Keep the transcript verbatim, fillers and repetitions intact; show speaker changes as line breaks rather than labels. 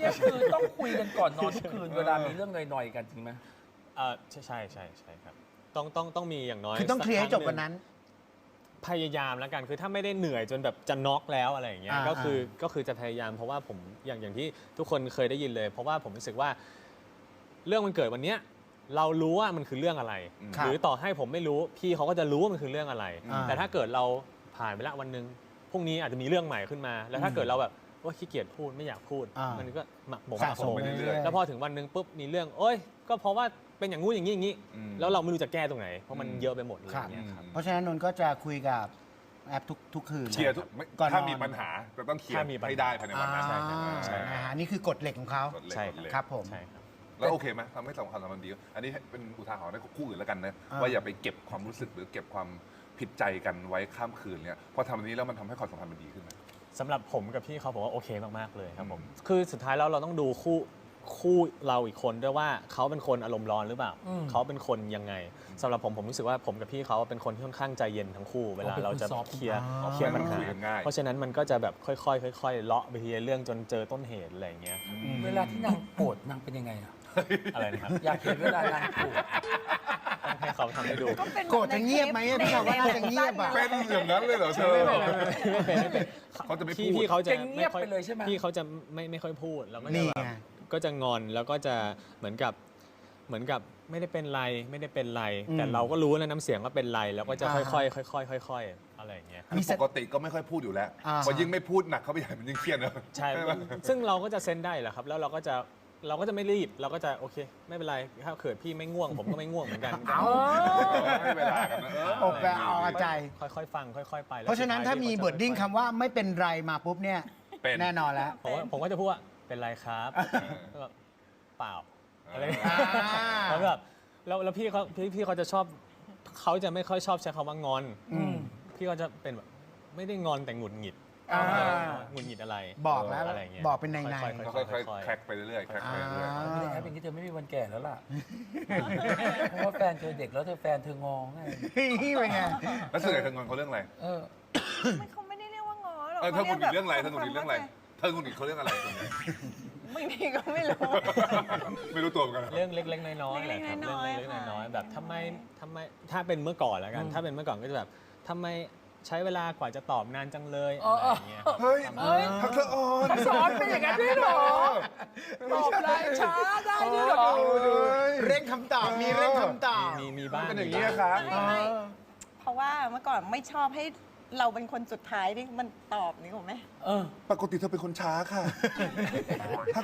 นี้คือต้องคุยกันก่อนนอนทุกคืนเวลามีเรื่องหน่อยๆกันจริงไหม
เออใช่ใช่ใช่ใช่ครับต้องต้องต้องมีอย่างน้อย
คือต้องเคลียร์ให้จบวันนั้น
พยายามแล้วกันคือถ้าไม่ได้เหนื่อยจนแบบจะน็อกแล้วอะไรอย่างเงี้ยก็คือก็คือจะพยายามเพราะว่าผมอย่างอย่างที่ทุกคนเคยได้ยินเลย เพราะว่าผมรู้สึกว่าเรื่องมันเกิดวันเนี้ยเรารู้ว่ามันคือเรื่องอะไรหรือต่อให้ผมไม่รู้พี่เขาก็จะรู้ว่ามันคือเรื่องอะไรแต่ถ้าเกิดเราผ่านไปละวันนึงพรุ่งนี้อาจจะมีเรื่องใหม่ขึ้นมาแล้วถ้าเกิดเราแบบว่าขี้เกียจพูดไม่อยากพูดมันก็หมักหมมหมักหมมแล้วพอถึงวันนึงปุ๊บมีเรื่องโอ๊ยก็เพราะว่าเป็นอย่างงู้นอย่างนี้อย่างนี้แล้วเราไม่รู้จะแก้ตรงไหนเพราะมันเยอะไปหมดเลยอย่างเงี้ยครับ
เพราะฉะนั้นนนท์ก็จะคุยกับแอปทุกทุกคืน
เคลียร์ทุกถ้ามีปัญหาจะต้องเคลียร์ให้ได้ภายในวันนั้น
ใช่ใช่นะฮะนี่คือกฎเหล็กของเขา
ใช่
ครับผม
แล้วโอเคไหมทำให้สำคัญสำคัญดีอันนี้เป็นอุทาหรณ์ให้คู่อื่นแล้วกันนะว่าอย่าไปเก็บความรู้สึกหรือเก็บความผิดใจกันไว้ข้ามคืนเนี่ยพอทำอันนี้แล้วมันทำให้ความสัมพันธ์มันดีขึ้นไหม
สำหรับผมกับพี่เขาผมว่าโอเคมากๆเลยครับผมคือสุดท้ายแล้วเราต้องดูคู่คู่เราอีกคนด้วยว่าเขาเป็นคนอารมณ์ร้อนหรือเปล่าเขาเป็นคนยังไงสำหรับผมผมรู้สึกว่าผมกับพี่เขาเป็นคนที่ค่อนข้างใจเย็นทั้งคู่เวลาเราจะเคลียร์เคลียร์ปัญหาเพราะฉะนั้นมันก็จะแบบค่อยๆค่อยๆเลาะไปทีละเรื่องจนเจอต้นเหตุอะไรอย่างเงี้ย
เวลาที่นางโกรธนางเป็นยังไงอะ
อะไรนะครับ
อยากเห็นเวลานางโกรธ
ต้องให้เขาทำให้ดู
โกรธจะเงียบไหมพี่เขาว่าน่าจะเงียบอ่ะ
เป็นอย่างนั้นเลยเหรอเธอ
ไม่เป็นไม่เป็น
เขาจะไม่พูด
พี่เขาจะ
เงียบไปเลยใช่ไหม
พี่เขาจะไม่ไม่ค่อยพูดแล้วก็จะ
แบบ
ก็จะงอนแล้วก็จะเหมือนกับเหมือนกับไม่ได้เป็นไรไม่ได้เป็นไรแต่เราก็รู้แล้วน้ำเสียงว่าเป็นไรแล้วก็จะค่อยๆค่อยๆค่อยๆอะไรอย่างเงี้ย
ปกติก็ไม่ค่อยพูดอยู่แล้วพอยิ่งไม่พูดหนักเขาไปใหญ่มันยิ่งเครียดเนอะ
ใช่ซึ่งเราก็จะเซนได้แหละครับแล้วเราก็จะเราก็จะไม่รีบเราก็จะโอเคไม่เป็นไรถ้าเกิดพี่ไม่ง่วงผมก็ไม่ง่วงเหมือนกัน
เอา
ให้เวลากันนะ
อกแปลเอาใจ
ค่อยๆฟังค่อยๆไป
เพราะฉะนั้นถ้ามีบทดิ้งคำว่าไม่เป็นไรมาปุ๊บเนี่ยแน่นอนแล้ว
ผมผมก็จะพูดว่าเป็นไรครับก็เปล่าอะไรแล้วแบบแล้วแล้วพี่เขาพี่พี่เขาจะชอบเขาจะไม่ค่อยชอบใช้คำว่างอนพี่เขาจะเป็นแบบไม่ได้งอนแต่หงุดหงิดหงุดหงิดอะไร
บอกแล้ว
อะไรเงี้ย
บอกเป็นในใน
ค่อยๆแคร็กไปเรื่อยๆแคร็กไปเรื่อย
ๆไม่ได้แอปอย่างนี้เธอไม่มีวันแก่แล้วล่ะเพราะว่าแฟนเธอเด็กแล้วเธอแฟนเธององไง
นี่เป็นไง
แล้วส่วนใหญ่เธองอนเขาเรื่องอะไร
เออ
เขาไม่ได้เรียกว่างอหรอก
เธอหงุดหงิดเรื่องอะไรเธอหงุดหงิดเรื่องอะไรเธอหงุดหงิดเขาเรื่องอะไรส่วนใหญ่
บางทีก็ไม่รู้
ไม่รู้ตัวเหมือนกัน
เรื่องเล็กๆน้อยๆแหละครับเรื่องเล็กๆน้อยๆแบบทำไมทำไมถ้าเป็นเมื่อก่อนแล้วกันถ้าเป็นเมื่อก่อนก็จะแบบทำไมใช้เวลากว่าจะตอบนานจังเลยอะไรอย่างเงี้ย
เฮ้ยทักษะอ่อน
ทักษะอ่อนเป็นอย่างนั้นด้วยหรอตอบได้ช้าได้ด้วยหรอ
เร่งคำตอบมีเร่งคำตอบ
มีมีบ้าง
เป็นอย่างนี้ครับ
เพราะว่าเมื่อก่อนไม่ชอบให้เราเป็นคนสุดท้ายที่มันตอบนี่ถูกไหม
ปกติเธอเป็นคนช้าค่ะ